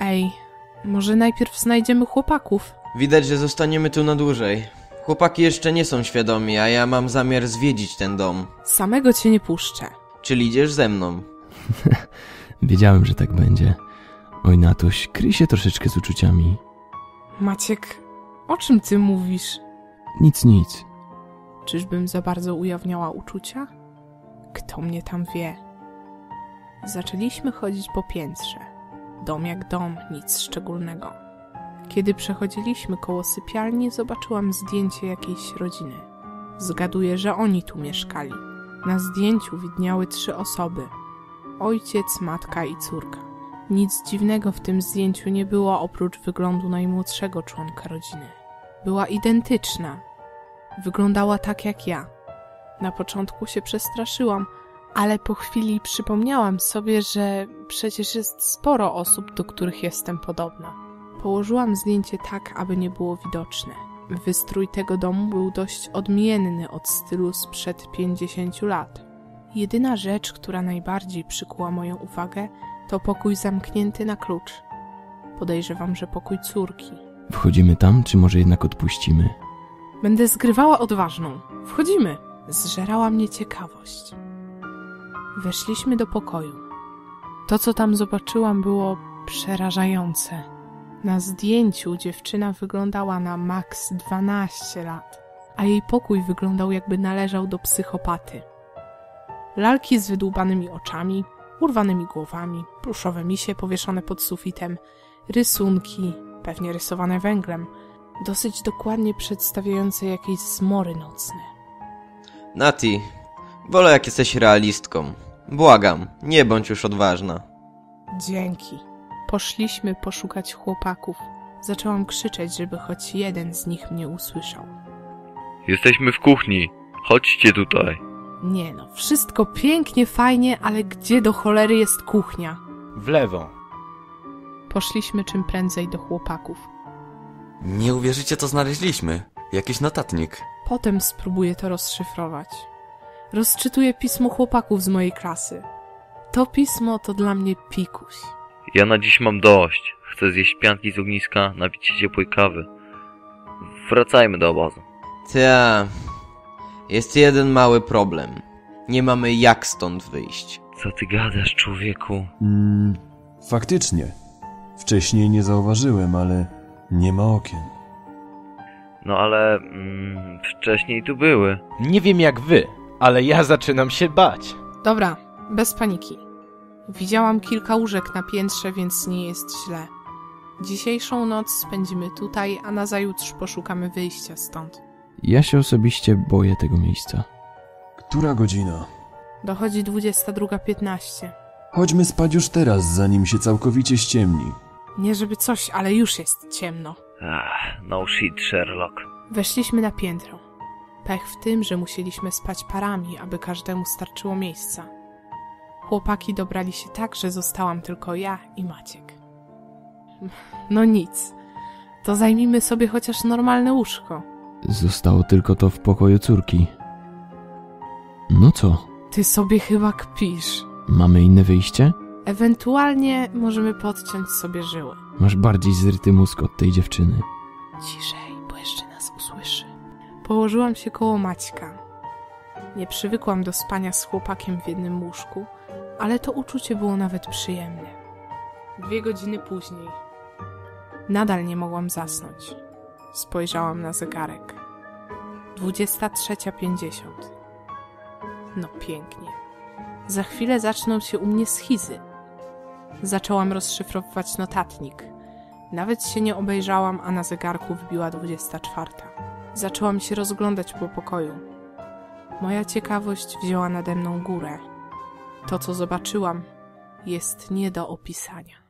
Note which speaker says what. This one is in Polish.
Speaker 1: Ej, może najpierw znajdziemy chłopaków?
Speaker 2: Widać, że zostaniemy tu na dłużej. Chłopaki jeszcze nie są świadomi, a ja mam zamiar zwiedzić ten dom.
Speaker 1: Samego cię nie puszczę.
Speaker 2: Czyli idziesz ze mną?
Speaker 3: Wiedziałem, że tak będzie. Oj, Natuś, kryj się troszeczkę z uczuciami.
Speaker 1: Maciek, o czym ty mówisz?
Speaker 3: Nic.
Speaker 1: Czyżbym za bardzo ujawniała uczucia? Kto mnie tam wie? Zaczęliśmy chodzić po piętrze. Dom jak dom, nic szczególnego. Kiedy przechodziliśmy koło sypialni, zobaczyłam zdjęcie jakiejś rodziny. Zgaduję, że oni tu mieszkali. Na zdjęciu widniały 3 osoby. Ojciec, matka i córka. Nic dziwnego w tym zdjęciu nie było oprócz wyglądu najmłodszego członka rodziny. Była identyczna. Wyglądała tak jak ja. Na początku się przestraszyłam, ale po chwili przypomniałam sobie, że przecież jest sporo osób, do których jestem podobna. Położyłam zdjęcie tak, aby nie było widoczne. Wystrój tego domu był dość odmienny od stylu sprzed 50 lat. Jedyna rzecz, która najbardziej przykuła moją uwagę, to pokój zamknięty na klucz. Podejrzewam, że pokój córki.
Speaker 3: Wchodzimy tam, czy może jednak odpuścimy?
Speaker 1: Będę zgrywała odważną. Wchodzimy. Zżerała mnie ciekawość. Weszliśmy do pokoju. To, co tam zobaczyłam, było przerażające. Na zdjęciu dziewczyna wyglądała na maks 12 lat, a jej pokój wyglądał, jakby należał do psychopaty. Lalki z wydłubanymi oczami, urwanymi głowami, pluszowe misie powieszone pod sufitem, rysunki, pewnie rysowane węglem, dosyć dokładnie przedstawiające jakieś zmory nocne.
Speaker 2: Nati, wolę jak jesteś realistką. Błagam, nie bądź już odważna.
Speaker 1: Dzięki. Poszliśmy poszukać chłopaków. Zaczęłam krzyczeć, żeby choć jeden z nich mnie usłyszał.
Speaker 4: Jesteśmy w kuchni. Chodźcie tutaj.
Speaker 1: Nie no, wszystko pięknie, fajnie, ale gdzie do cholery jest kuchnia?
Speaker 5: W lewo.
Speaker 1: Poszliśmy czym prędzej do chłopaków.
Speaker 6: Nie uwierzycie, co znaleźliśmy. Jakiś notatnik.
Speaker 1: Potem spróbuję to rozszyfrować. Rozczytuję pismo chłopaków z mojej klasy. To pismo to dla mnie pikuś.
Speaker 4: Ja na dziś mam dość. Chcę zjeść pianki z ogniska, napić się ciepłej kawy. Wracajmy do obozu.
Speaker 2: Ta, jest jeden mały problem. Nie mamy jak stąd wyjść.
Speaker 4: Co ty gadasz, człowieku?
Speaker 7: Faktycznie. Wcześniej nie zauważyłem, ale nie ma okien.
Speaker 4: No ale wcześniej tu były.
Speaker 5: Nie wiem jak wy, ale ja zaczynam się bać.
Speaker 1: Dobra, bez paniki. Widziałam kilka łóżek na piętrze, więc nie jest źle. Dzisiejszą noc spędzimy tutaj, a nazajutrz poszukamy wyjścia stąd.
Speaker 3: Ja się osobiście boję tego miejsca.
Speaker 7: Która godzina?
Speaker 1: Dochodzi 22:15.
Speaker 7: Chodźmy spać już teraz, zanim się całkowicie ściemni.
Speaker 1: Nie żeby coś, ale już jest ciemno.
Speaker 4: No shit, Sherlock.
Speaker 1: Weszliśmy na piętro. Pech w tym, że musieliśmy spać parami, aby każdemu starczyło miejsca. Chłopaki dobrali się tak, że zostałam tylko ja i Maciek. No nic. To zajmijmy sobie chociaż normalne łóżko.
Speaker 3: Zostało tylko to w pokoju córki. No co?
Speaker 1: Ty sobie chyba kpisz.
Speaker 3: Mamy inne wyjście?
Speaker 1: Ewentualnie możemy podciąć sobie żyły.
Speaker 3: Masz bardziej zryty mózg od tej dziewczyny.
Speaker 1: Ciszej, bo jeszcze nas usłyszy. Położyłam się koło Maćka. Nie przywykłam do spania z chłopakiem w jednym łóżku, ale to uczucie było nawet przyjemne. 2 godziny później. Nadal nie mogłam zasnąć. Spojrzałam na zegarek. 23:50. No pięknie. Za chwilę zaczną się u mnie schizy. Zaczęłam rozszyfrowywać notatnik. Nawet się nie obejrzałam, a na zegarku wbiła 24. Zaczęłam się rozglądać po pokoju. Moja ciekawość wzięła nade mną górę. To, co zobaczyłam, jest nie do opisania.